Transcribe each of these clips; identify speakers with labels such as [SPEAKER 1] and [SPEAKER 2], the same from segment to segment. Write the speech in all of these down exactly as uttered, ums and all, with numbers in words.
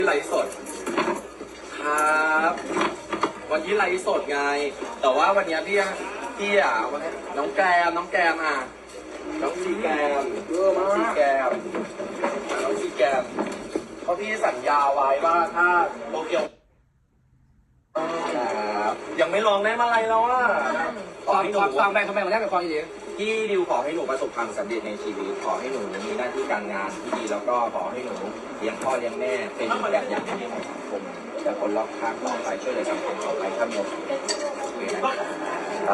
[SPEAKER 1] ไลฟ์สดครับวันที่ไลฟ์สดไงแต่ว่าวันนี้พี่พี่อ่ะน้องแกมน้องแกมอ่ะน้องซีแกมเยอะมากซีแกมน้องซีแกมเพราะพี่สัญญาไว้ว่าถ้าโตเกียวครับยังไม่ลองได้มาอะไรแล้วอ่ะขอให้หนู
[SPEAKER 2] ฟังแบงค์ทำไมมันได้เป็นความดี
[SPEAKER 1] พี่ดิวขอให้หนูประสบความสำเร็จในชีวิตขอให้หนูมีหน้าที่การงานที่ดีแล้วก็ขอให้หนูเลี้ยงพ่อเลี้ยงแม่เป็นแบบอย่างที่ดีของสังคมและคนรอบข้างต่อไปช่วยเหลือสังคมต่อไปถ้ามีโอกาสครับ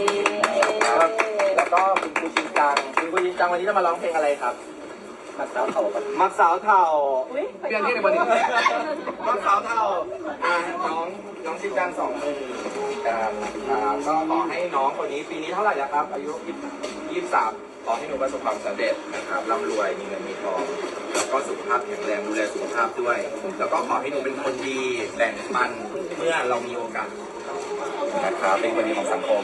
[SPEAKER 1] แล้วก็คุณครูจริงจังคุณครูจริงจังวันนี้จะมาร้องเพลงอะไรครับมักสาวเถ่ามักสาวเถ่า
[SPEAKER 2] เพียงที่ในวันนี้
[SPEAKER 1] มักสาวเถ่าน้องน้องจริงจังสองมือก็ขอให้น้องคนนี้ปีนี้เท่าไหร่แล้วครับอายุยี่สิบสามขอให้หนูประสบความสำเร็จนะครับร่ำรวยมีเงินมีทองแล้วก็สุขภาพแข็งแรงดูแลสุขภาพด้วยแล้วก็ขอให้หนูเป็นคนดีแบ่งปันเมื่อเรามีโอกาสนะครับเป็นคนดีของสังคม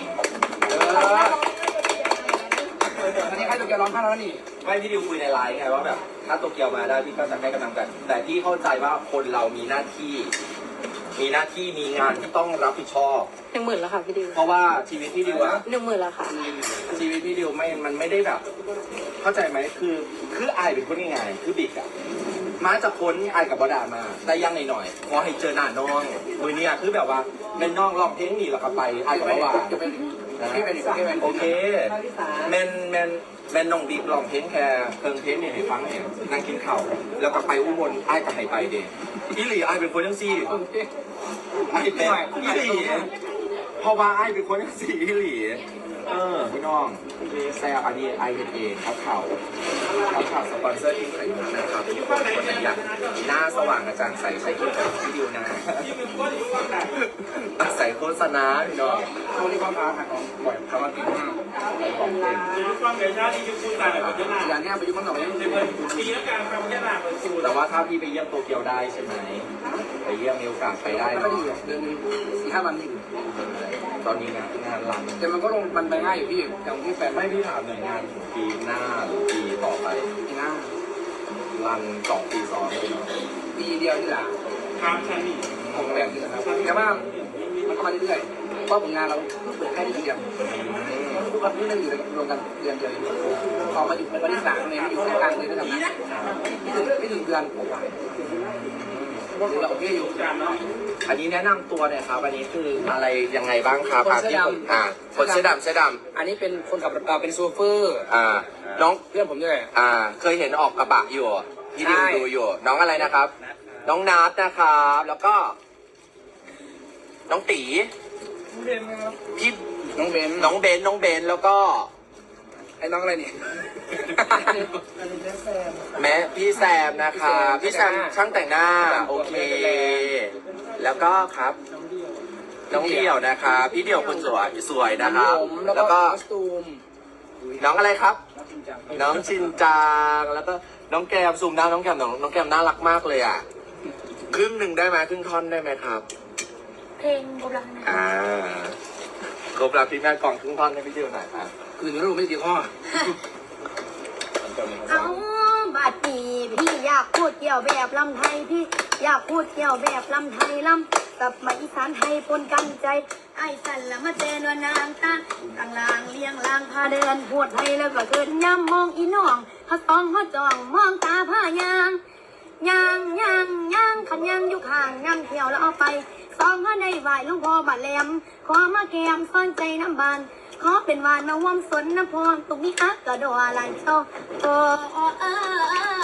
[SPEAKER 2] อันนี้ใครตัวเกียวร้องไห้แล้วนี่
[SPEAKER 1] ไม่พี่ดิวคุยในไลน์ไงว่าแบบถ้าโตเกียวมาได้พี่ก็จะให้กำลังใจแต่พี่เข้าใจว่าคนเรามีหน้าที่มีหน้าที่มีงานที่ต้องรับผิดชอบ
[SPEAKER 3] หนึ่งหมื่นแล้วค่ะพี่ดิว
[SPEAKER 1] เพราะว่าชีวิตพี่ดิวอะ
[SPEAKER 3] หนึ่งหมื่นแล้วค่ะ
[SPEAKER 1] ชีวิตพี่ดิวไม่มันไม่ได้แบบ เข้าใจไหมคือคืออายเป็นคนยังไงคือบิ๊กอะมาจะพ้นอายกับบอดามาได้ยังหน่อยๆขอให้เจอหน้าน้องมือเนี่ยคือแบบว่าในน้องลองเพลงนี่หรอกไปอายกับว่าโอเคแมนแมนแมนน้องบิ๊กลองเพลงแค่เพิ่งเพลงเนี่ยให้ฟังเนี่ยนั่งกินข้าวแล้วก็ไปอุบลอายกับให้ไปเด็อีหลีอายเป็นคนยังซี่ไอ้เป็นอีหลีเพราะว่าไอ้เป็นคนสีอีหลีเออพี่น้องแซ่บอันนี้ไอเอเอเขาเข่าเขาเข่าสปอนเซอร์ที่ไข่มุกนะครับทุกคนคนไหนอยากหน้าสว่างกระจ่างใสใช้ครีมกับพี่ดิวนะใส่โฆษณาพี่น้อง
[SPEAKER 2] ช่วงนี้ความอาหารของบ่อยคำว่ากินมาก
[SPEAKER 1] ของเก่ง
[SPEAKER 2] อย่างนี้ไปยุ่งมันหน่อย
[SPEAKER 1] แต่ว่าถ้าพี่ไปเยี่ยมโตเกียวได้ใช่ไหมไปเยี่ยมมีโอกาสไปได้
[SPEAKER 2] เนาะเดือนนึงสี่ห้าวันนี่
[SPEAKER 1] ตอนนี้นะงานรัน
[SPEAKER 2] แต่มันก็ลงมันไปง่ายอยู่พี่อย่างที่แฟน
[SPEAKER 1] ไม่พี่ถามหน่วยงานปีหน้าหรือปีต่อไป
[SPEAKER 2] ปีหน้า
[SPEAKER 1] รันสองปีซ้อนเลย
[SPEAKER 2] ปีเดียวที่หลัง
[SPEAKER 1] ครับใช่
[SPEAKER 2] ของแบบนี้นะครับแต่ว่ามันก็มาเรื่อยๆเพราะผลงานเราเพิ่งเปิดแค่เดือนเดียวทุกวันนี้เราอยู่รวมกันเดือนเดียวพอมาอยู่เป็นวันที่สามเลยอยู่แค่กลางเลยนะครับนะไม่ถึงไม่ถึงเดือนเราโอเคอยู่
[SPEAKER 1] อันนี้แนะนำตัวเนี่ยครับอันนี้คืออะไรยังไงบ้างครับ
[SPEAKER 2] คนเสื้อด
[SPEAKER 1] ำอ่าคนเสื้อดำเสื้อดำ
[SPEAKER 2] อันนี้เป็นคนขับเป็นโซเฟอร์
[SPEAKER 1] อ่าน้อง
[SPEAKER 2] เพื่อนผมด้วย
[SPEAKER 1] อ่าเคยเห็นออกกระบะอยู่ที่ดิวดูอยู่น้องอะไรนะครับน้องนัทนะครับแล้วก็ น้องตีพี่
[SPEAKER 2] น้องเบน
[SPEAKER 1] น้องเบนน้องเบนแล้วก็
[SPEAKER 2] ไอ้น้องอะไรเนี่ย
[SPEAKER 1] แม่พี่แซมนะคะพี่แซมช่างแต่งหน้าโอเคแล้วก็ครับน้องเดี่ยวนะคะพี่เดี่ยวคนสวยสวยนะครับแล้วก็น้องอะไรครับน้องชินจางแล้วก็น้องแกมซูมหน้าน้องแกมน้องน้องแกมน่ารักมากเลยอ่ะครึ่งหนึ่งได้ไหมครึ่งท่อนได้ไหมครับ
[SPEAKER 3] เพลงกบลัง
[SPEAKER 1] อ่าครบแล้วพี่แม่กล่องครึ่งท่อนให้พี่เดี่ยวหน่อยครับ
[SPEAKER 2] คือหนูรู้ไม่กี่ข้อ
[SPEAKER 3] เอาบัดนี้พี่อยากพูดเกี่ยวแบบลำไทยพี่อยากพูดเกี่ยวแบบลำไทยลำกับมาอีสานไทยปนกันใจไอ้สันละมาเจนวนางตาต่างลางเลี้ยงลางพาเดินพูดไทยแล้วก็เกิดย้ำมองอีน้องเขาตองเขาจ้องมองตาผ้ายางยางยางยางขันยางอยู่ข้างยางเที่ยวแล้วเอาไปซองเขาในไหวลุงพ่อบาดแหลมขอมาแกมซ่อนใจน้ำบานขอเป็นวานมาว่อมสนน้ำพรตุกนี้อักกระโดดลายเจ้าโอ้